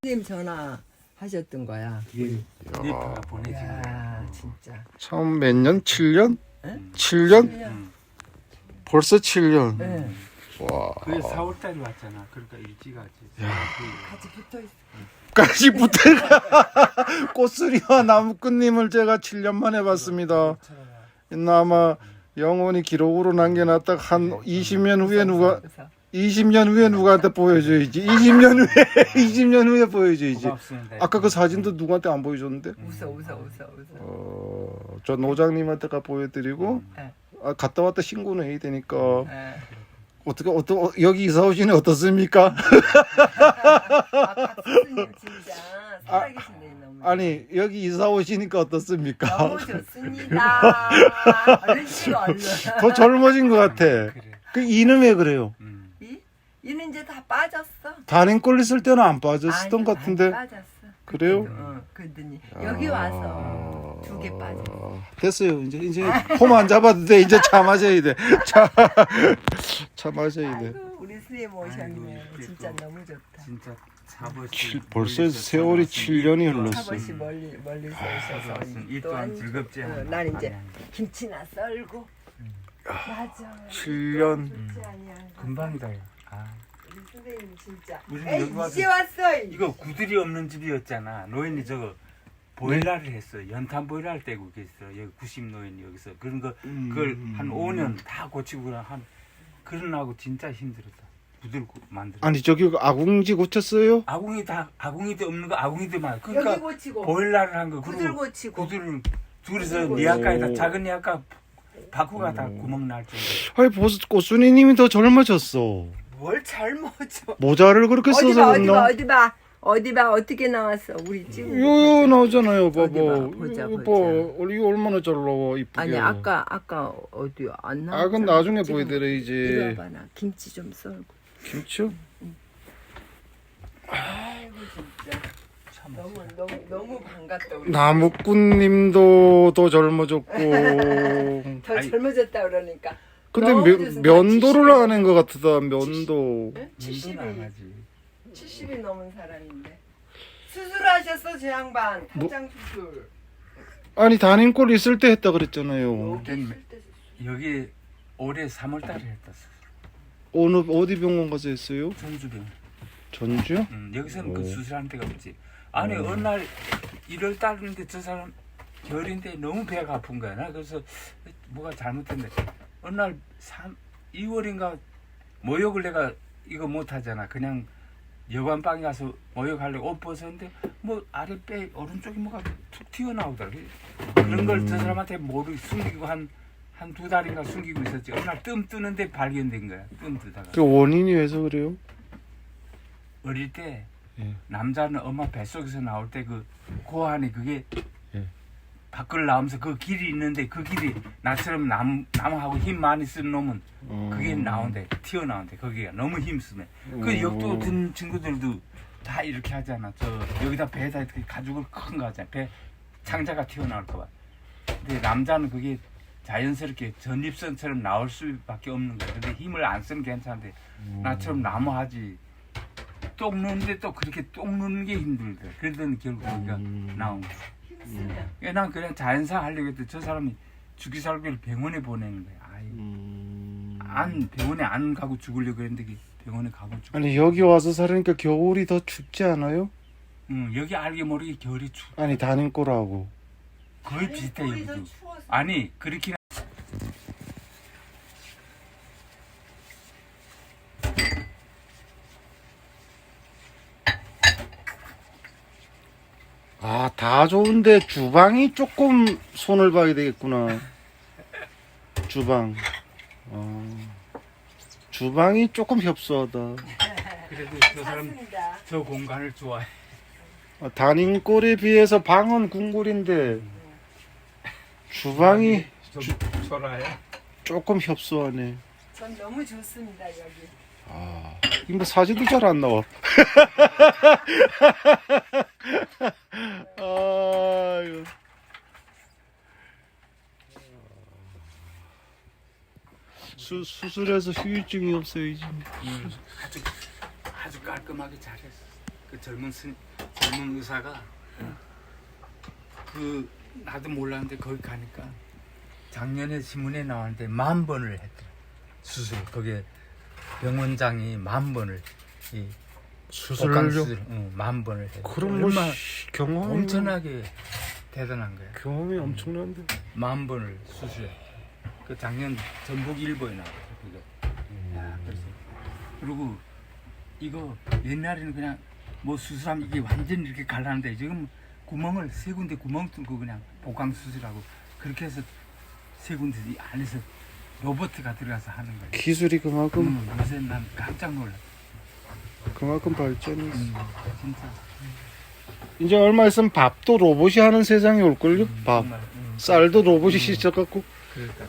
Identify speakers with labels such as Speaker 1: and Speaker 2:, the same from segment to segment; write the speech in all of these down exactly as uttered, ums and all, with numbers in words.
Speaker 1: 선생님 전화 하셨던 거야.
Speaker 2: 이게 네파가 보내준 거야.
Speaker 1: 야, 진짜.
Speaker 3: 처음 몇 년? 칠 년?
Speaker 1: 응?
Speaker 3: 칠 년?
Speaker 2: 응.
Speaker 3: 벌써 칠 년.
Speaker 1: 네.
Speaker 3: 와.
Speaker 2: 그게 사월 달에 왔잖아. 그러니까 일찍 왔지.
Speaker 1: 같이 붙어 있어.
Speaker 3: 까지 붙어가 꽃수리와 나무꾼님을 제가 칠 년 만에 봤습니다. 아마 영원히 기록으로 남겨놨다 한 이십 년 후에 누가 이십 년 후에 누구한테 보여줘야지. 이십 년 후에 이십 년 후에 보여줘야지.
Speaker 2: 고맙습니다.
Speaker 3: 아까 그 사진도 누구한테 안 보여줬는데?
Speaker 1: 웃어 웃어 웃어 웃어.
Speaker 3: 어, 저 노장님한테가 보여드리고
Speaker 1: 네.
Speaker 3: 아, 갔다 왔다 신고는 해야 되니까
Speaker 1: 네.
Speaker 3: 어떻게 어떠 여기 이사 오시니 어떻습니까?
Speaker 1: 아, 박수님 진짜 살아계신데 너무.
Speaker 3: 아니 여기 이사 오시니까 어떻습니까?
Speaker 1: 너무 좋습니다. 얼른 찍어 얼른.
Speaker 3: 더 젊어진 것 같아.
Speaker 2: 그래.
Speaker 3: 그 이는 왜 그래요?
Speaker 2: 음.
Speaker 1: 이? 이는 이제 다 빠졌어.
Speaker 3: 단행꼴 있을 때는 안 빠졌었던
Speaker 1: 아니,
Speaker 3: 것 같은데.
Speaker 1: 아니, 빠졌어.
Speaker 3: 그래요?
Speaker 1: 그때도, 어, 그랬더니 여기 와서 두 개 빠졌어.
Speaker 3: 아, 됐어요. 이제 이제 폼 안 잡아도 돼. 이제 차 마셔야 돼. 차, 차 마셔야 돼.
Speaker 1: 아이고, 우리 선생님 오셨네.
Speaker 2: 아이고,
Speaker 1: 진짜
Speaker 2: 그래도
Speaker 1: 너무 좋다.
Speaker 2: 진짜 사버시
Speaker 3: 칠- 벌써 세월이 칠 년이 흘렀어.
Speaker 1: 사버시 멀리 멀리서 오셔서
Speaker 2: 좋았어. 이
Speaker 1: 또
Speaker 2: 또한
Speaker 1: 한-
Speaker 2: 즐겁지
Speaker 1: 어,
Speaker 2: 않아.
Speaker 1: 난 이제
Speaker 2: 아니, 아니.
Speaker 1: 김치나 썰고. 맞아.
Speaker 3: 칠 년.
Speaker 1: 좋지 아니야.
Speaker 2: 금방이다. 야. 아.
Speaker 1: 우리 선생님 진짜.
Speaker 2: 우리는
Speaker 1: 에이,
Speaker 2: 여기 와서
Speaker 1: 이제 왔어.
Speaker 2: 이거 구들이 없는 집이었잖아. 노인이 저거 보일러를 했어. 연탄 보일러를 떼고 계셨어. 여기 구십 노인이 여기서 그런 거 그걸 한 오 년 다 고치고 한 그러나고 진짜 힘들었다. 부들고 만들어.
Speaker 3: 아니 저기 아궁지 고쳤어요?
Speaker 2: 아궁이 다 아궁이도 없는 거 아궁이도만.
Speaker 1: 여기
Speaker 2: 그러니까
Speaker 1: 고치고
Speaker 2: 보일러를 한 거.
Speaker 1: 구들
Speaker 2: 그리고
Speaker 1: 고치고.
Speaker 2: 구들을 둘이서
Speaker 1: 구들
Speaker 2: 니아까에다
Speaker 3: 고치고.
Speaker 2: 작은 니아까 바꾸가 다 구멍 날 정도.
Speaker 3: 아니 벌써 꽃순이님이 더 젊어졌어.
Speaker 1: 뭘 젊어져.
Speaker 3: 모자를 그렇게
Speaker 1: 어디
Speaker 3: 써서
Speaker 1: 봐 어디 봐
Speaker 3: 그랬나?
Speaker 1: 어디 봐 어디 봐 어떻게 나왔어 우리 지금.
Speaker 3: 요 나오잖아요, 봐봐.
Speaker 1: 어디 봐, 보자,
Speaker 3: 이거
Speaker 1: 보자.
Speaker 3: 봐, 이거 얼마나 잘 나와 이쁘게.
Speaker 1: 아니 아까 아까 어디 안 나왔잖아.
Speaker 3: 아, 그건 나중에
Speaker 1: 지금
Speaker 3: 보여드려야지.
Speaker 1: 이리 와봐 나 김치 좀 썰고.
Speaker 3: 김치요?
Speaker 1: 아이고 진짜
Speaker 2: 참.
Speaker 1: 너무 너무 너무 반갑다 우리.
Speaker 3: 나무꾼님도 더 젊어졌고.
Speaker 1: 더
Speaker 2: 아니.
Speaker 1: 젊어졌다 그러니까.
Speaker 3: 근데
Speaker 1: 너무
Speaker 3: 면,
Speaker 1: 좋습니다.
Speaker 3: 면도를
Speaker 1: 칠십이
Speaker 3: 하는 것 같다. 면도.
Speaker 1: 응?
Speaker 2: 칠십이 안
Speaker 1: 칠십이
Speaker 2: 하지.
Speaker 1: 칠십이 넘은 사람인데 수술하셨어 저 양반
Speaker 3: 뭐?
Speaker 1: 탈장 수술.
Speaker 3: 아니 단인골 있을 때 했다 그랬잖아요.
Speaker 1: 여기
Speaker 2: 된-
Speaker 1: 있을 때 수술.
Speaker 2: 여기 올해 삼월 달에 했다.
Speaker 3: 어느 어디 병원 가서 했어요?
Speaker 2: 전주병.
Speaker 3: 전주요?
Speaker 2: 음, 여기서는
Speaker 3: 오.
Speaker 2: 그 수술하는 데가 없지. 아니
Speaker 3: 오.
Speaker 2: 어느 날 일월 달인데 저 사람 겨울인데 너무 배가 아픈 거야. 나 그래서 뭐가 잘못됐네. 어느 날 삼, 이월인가 모욕을 내가 이거 못 하잖아. 그냥 여관방에 가서 모욕하려고 옷 벗었는데 뭐 아랫배 오른쪽이 뭐가 툭 튀어나오더라고. 그런 걸 저 사람한테 모르 숨기고 한 한 두 달인가 숨기고 있었지. 어느 날 뜸 뜨는데 발견된 거야. 뜸 뜨다가.
Speaker 3: 그 원인이 왜서 그래요?
Speaker 2: 어릴 때
Speaker 3: 예.
Speaker 2: 남자는 엄마 뱃속에서 나올 때 그 고환이 그게
Speaker 3: 예.
Speaker 2: 밖을 나오면서 그 길이 있는데 그 길이 나처럼 남, 남하고 힘 많이 쓰는 놈은 그게
Speaker 3: 음.
Speaker 2: 나온대 튀어나온대 거기가 너무 힘쓰네 그
Speaker 3: 음.
Speaker 2: 역도 든 친구들도 다 이렇게 하잖아 저 여기다 배에다 이렇게 가죽을 큰 거 하잖아 배 창자가 튀어나올까 봐 근데 남자는 그게 자연스럽게 전립선처럼 나올 수밖에 없는 거야 근데 힘을 안 쓰면 괜찮은데 나처럼 나무 하지 똥 누는데 또 그렇게 똥 누는 게 힘들대. 그러더니 결국 거기가
Speaker 3: 음.
Speaker 2: 나온 거야.
Speaker 1: 힘쓰면.
Speaker 2: 예, 난 그냥 자연사 하려고 했더니 저 사람이 죽기 살기를 병원에 보내는 거야. 아이,
Speaker 3: 음.
Speaker 2: 안 병원에 안 가고 죽으려고 했는데 그 병원에 가고 죽.
Speaker 3: 아니 여기 와서 살으니까 겨울이 더 춥지 않아요?
Speaker 2: 응, 여기 알게 모르게 겨울이 추.
Speaker 3: 아니 단인골하고.
Speaker 2: 거의 비슷해
Speaker 1: 우리 더
Speaker 2: 여기도.
Speaker 1: 추워서.
Speaker 2: 아니 그렇긴.
Speaker 3: 아, 다 좋은데 주방이 조금 손을 봐야 되겠구나. 주방. 어. 주방이 조금 협소하다.
Speaker 2: 그래도 저 사람
Speaker 1: 찼습니다.
Speaker 2: 저 공간을 좋아해.
Speaker 3: 아, 단인골에 비해서 방은 궁궐인데 주방이
Speaker 2: 좀 초라해.
Speaker 3: 조금 협소하네.
Speaker 1: 전 너무 좋습니다 여기.
Speaker 3: 아, 이거 뭐 사진도 잘 안 나와. 아유. 수, 수술해서 후유증이 없어야지.
Speaker 2: 음, 아주 아주 깔끔하게 잘했어. 그 젊은 스, 젊은 의사가 그 나도 몰랐는데 거기 가니까 작년에 신문에 나왔는데 만 번을 했대 수술. 거기에 병원장이 만 번을 이
Speaker 3: 수술을
Speaker 2: 복강
Speaker 3: 좀
Speaker 2: 수술, 응, 만 번을 해.
Speaker 3: 그럼 뭐
Speaker 2: 얼마
Speaker 3: 씨, 경험이
Speaker 2: 엄청나게 대단한 거야.
Speaker 3: 경험이 엄청난데.
Speaker 2: 만 번을 수술해. 그 작년 전북일보에 나왔어. 그거. 야, 그래서 그리고 이거 옛날에는 그냥 뭐 수술하면 이게 완전 이렇게 갈라는데 지금 구멍을 세 군데 구멍 뚫고 그냥 복강 수술하고 그렇게 해서 세 군데 이 안에서 로봇가 들어가서 하는 거야.
Speaker 3: 기술이 그만큼
Speaker 2: 음, 요새 난 깜짝 놀라.
Speaker 3: 그만큼 발전이 있어.
Speaker 2: 음, 진짜.
Speaker 3: 이제 얼마 있으면 밥도 로봇이 하는 세상이 올걸요?
Speaker 2: 음,
Speaker 3: 밥.
Speaker 2: 정말, 음,
Speaker 3: 쌀도 로봇이 씻어갖고.
Speaker 2: 그러니까.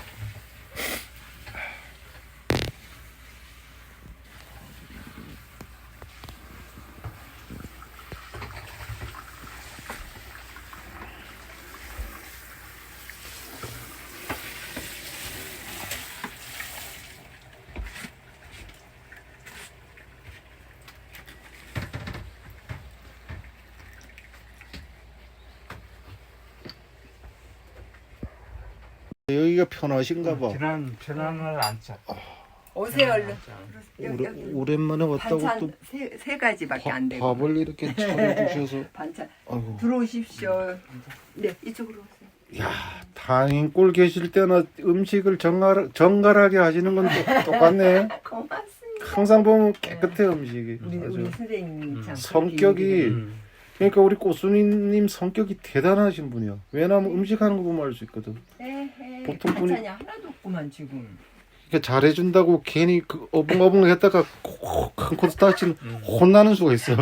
Speaker 3: 여기가 편하신가 봐.
Speaker 2: 지난 편안을 안 차.
Speaker 1: 오세요 얼른. 여기,
Speaker 3: 오래,
Speaker 1: 여기.
Speaker 3: 오랜만에 왔다고 또
Speaker 1: 반찬 세, 세 가지밖에 안 되고.
Speaker 3: 밥을 이렇게 차려주셔서.
Speaker 1: 반찬
Speaker 3: 아이고.
Speaker 1: 들어오십시오. 네 이쪽으로 오세요.
Speaker 3: 야, 단인골 계실 때나 음식을 정갈, 정갈하게 하시는 건 또, 똑같네.
Speaker 1: 고맙습니다.
Speaker 3: 항상 보면 깨끗해 음식이.
Speaker 1: 우리
Speaker 3: 아주.
Speaker 1: 우리 선생님 참
Speaker 3: 성격이
Speaker 2: 음.
Speaker 3: 그러니까 우리 꽃순이님 성격이 대단하신 분이야. 왜냐하면 음식하는 거 보면 알 수 있거든.
Speaker 1: 에헤,
Speaker 3: 보통 분이-
Speaker 1: 반찬이 하나도 없구만 지금.
Speaker 3: 그러니까 잘해준다고 괜히 그 어벙어벙 했다가 코- 큰 코스 다치는
Speaker 2: 음.
Speaker 3: 혼나는 수가 있어.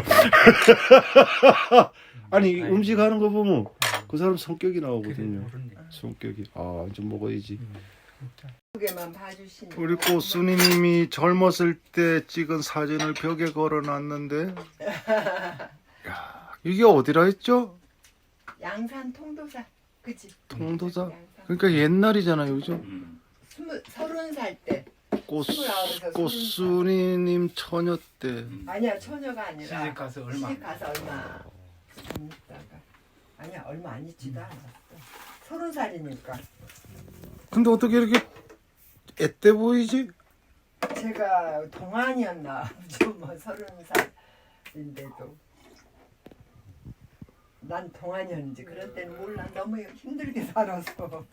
Speaker 3: 아니
Speaker 2: 아이고.
Speaker 3: 음식하는 거 보면 그 사람 성격이
Speaker 2: 그래,
Speaker 3: 나오거든요.
Speaker 2: 모르네.
Speaker 3: 성격이 아 이제 먹어야지.
Speaker 2: 음, 진짜.
Speaker 1: 두 개만 봐주시니.
Speaker 3: 우리 꽃순이님이 젊었을 때 찍은 사진을 벽에 걸어놨는데, 야 이게 어디라 했죠?
Speaker 1: 양산 통도사, 그치?
Speaker 3: 통도사.
Speaker 1: 양산.
Speaker 3: 그러니까 옛날이잖아요, 그죠?
Speaker 2: 음.
Speaker 1: 스무 서른 살 때.
Speaker 3: 꽃
Speaker 1: 스물아홉에서
Speaker 3: 꽃순이님 처녀 때.
Speaker 2: 음.
Speaker 1: 아니야 처녀가 아니라.
Speaker 2: 시집 가서 얼마
Speaker 1: 시집 가서 얼마 안 있다가. 아니야 얼마 안 있지도 않았어. 서른 살이니까.
Speaker 3: 근데 어떻게 이렇게 애때 보이지?
Speaker 1: 제가 동안이었나 좀뭐 서른 살인데도 난 동안이었는지 그럴 때는 몰라. 너무 힘들게 살아서.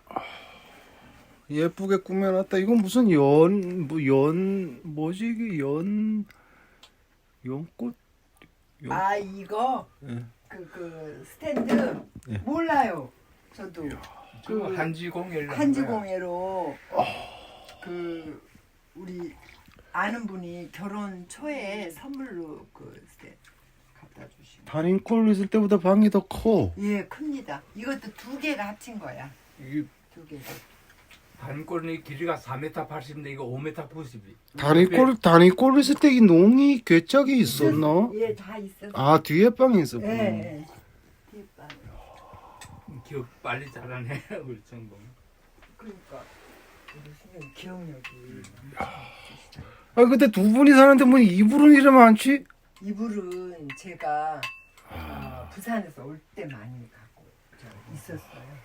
Speaker 3: 예쁘게 꾸며놨다. 이건 무슨 연, 뭐 연, 뭐지 이게 연, 연꽃? 연-
Speaker 1: 아 이거
Speaker 3: 예.
Speaker 1: 그 그 스탠드
Speaker 3: 예.
Speaker 1: 몰라요. 저도
Speaker 2: 그
Speaker 1: 그
Speaker 2: 한지공예를
Speaker 1: 한지공예로 그 우리 아는 분이 결혼 초에 선물로 그 스탠드 갖다 주신.
Speaker 3: 단인콜 있을 때보다 방이 더 커.
Speaker 1: 예, 큽니다. 이것도 두 개가 합친 거야.
Speaker 3: 이게
Speaker 1: 두 개가.
Speaker 2: 단골이 길이가 사 미터 팔십인데 이거 오 미터 구십이.
Speaker 3: 단인콜 단인콜 있을 때 이 농이 괴짝이 있었나?
Speaker 1: 예, 다 있었어.
Speaker 3: 아 뒤에 방에
Speaker 1: 예,
Speaker 3: 있었구나.
Speaker 1: 예. 뒷방.
Speaker 2: 기억 빨리 잘하네 우리 정봉.
Speaker 1: 그러니까 우리 선생님 기억력이.
Speaker 3: 아 근데 두 분이 사는데 뭐 이불은 이래 많지?
Speaker 1: 이불은 제가 어, 부산에서 올 때 많이 갖고 저 있었어요.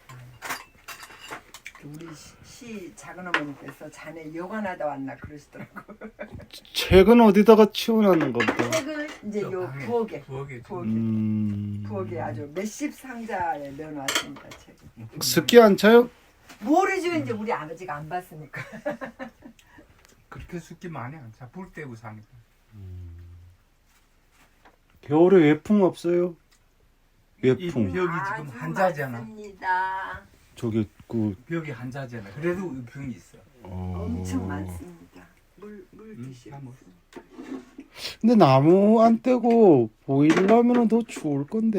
Speaker 1: 우리 시, 시 작은 어머니께서 자네 여관하다 왔나 그러시더라고.
Speaker 3: 책은 어디다가 치워놨는 겁니다.
Speaker 1: 책을 이제
Speaker 2: 저
Speaker 1: 요
Speaker 2: 방에,
Speaker 1: 부엌에
Speaker 2: 부엌에
Speaker 1: 부엌에
Speaker 3: 음...
Speaker 1: 부엌에 아주 몇십 상자에 넣어놨습니다. 책.
Speaker 3: 습기 안 차요?
Speaker 1: 모르죠. 이제 우리 아버지가 안 봤으니까.
Speaker 2: 그렇게 습기 많이 안 차. 불 떼고 사니까.
Speaker 3: 겨울에 외풍 없어요?
Speaker 2: 이
Speaker 3: 외풍.
Speaker 2: 벽이 지금 한자잖아.
Speaker 1: 많습니다.
Speaker 3: 저기 그
Speaker 2: 벽이 한자잖아. 그래도 병이 있어.
Speaker 3: 어...
Speaker 1: 엄청 많습니다. 물, 물
Speaker 2: 음,
Speaker 1: 드시고.
Speaker 2: 다 먹-
Speaker 3: 근데 나무 안 떼고 보일러면은 더 추울 건데.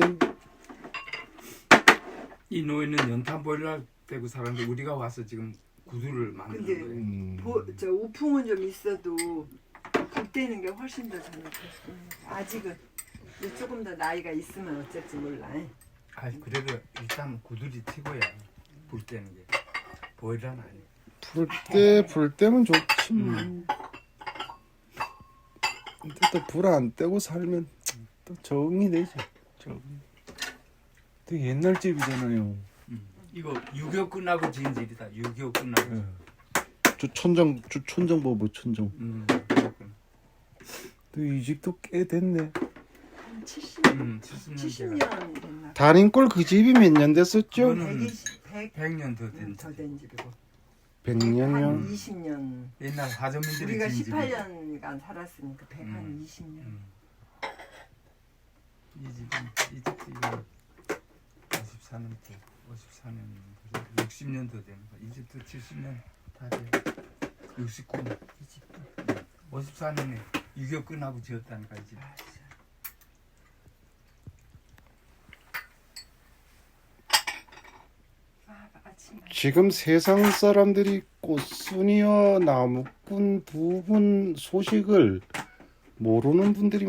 Speaker 2: 이 노인은 연탄 보일러 떼고 살았는데 우리가 와서 지금 구두를 만드는
Speaker 1: 근데
Speaker 2: 거예요.
Speaker 3: 음...
Speaker 1: 보, 저 우풍은 좀 있어도 불 때는 게 훨씬 더 저는 좋습니다. 아직은 이제 조금 더 나이가 있으면 어쩔지 몰라.
Speaker 2: 아 그래도 일단 구두리 튀고야 불 때는 게 보일러는 아니야.
Speaker 3: 불 때, 불 때면 좋지. 뭐.
Speaker 2: 음.
Speaker 3: 근데 또 불 안 떼고 살면 또 적응이 되죠.
Speaker 2: 저,
Speaker 3: 되게 옛날 집이잖아요.
Speaker 2: 음. 이거 유교 끝나고 지은 집이다. 유교 끝나고.
Speaker 3: 예. 저 천정, 저 천정 봐봐, 천정.
Speaker 2: 음. 그렇구나.
Speaker 3: 이 집도 꽤 됐네.
Speaker 1: 한 칠십,
Speaker 2: 음, 칠십 년
Speaker 1: 칠십
Speaker 2: 제가.
Speaker 1: 년 됐나?
Speaker 3: 달인골 그 집이 몇 년 됐었죠?
Speaker 2: 그거는
Speaker 1: 백이십, 백,
Speaker 2: 백 년 더 된.
Speaker 1: 더된 집이고.
Speaker 3: 백
Speaker 1: 한
Speaker 3: 년이요?
Speaker 1: 이십 년.
Speaker 2: 옛날 화전민들이
Speaker 1: 우리가
Speaker 2: 지은
Speaker 1: 십팔
Speaker 2: 집이다.
Speaker 1: 년간 살았으니까 백 한
Speaker 2: 음.
Speaker 1: 이십 년.
Speaker 2: 음. 이 집은 이 집도 이거 오십사 년 때 오십사 년 육십 년 더 되는 거. 이 집도 칠십 년 다 돼. 육십구 년 이 집도 오십사 년에 유교 끝나고 지었다니까 이 집.
Speaker 1: 아, 아침
Speaker 3: 지금 세상 사람들이 꽃순이와 나무꾼 두 분 소식을 모르는 분들이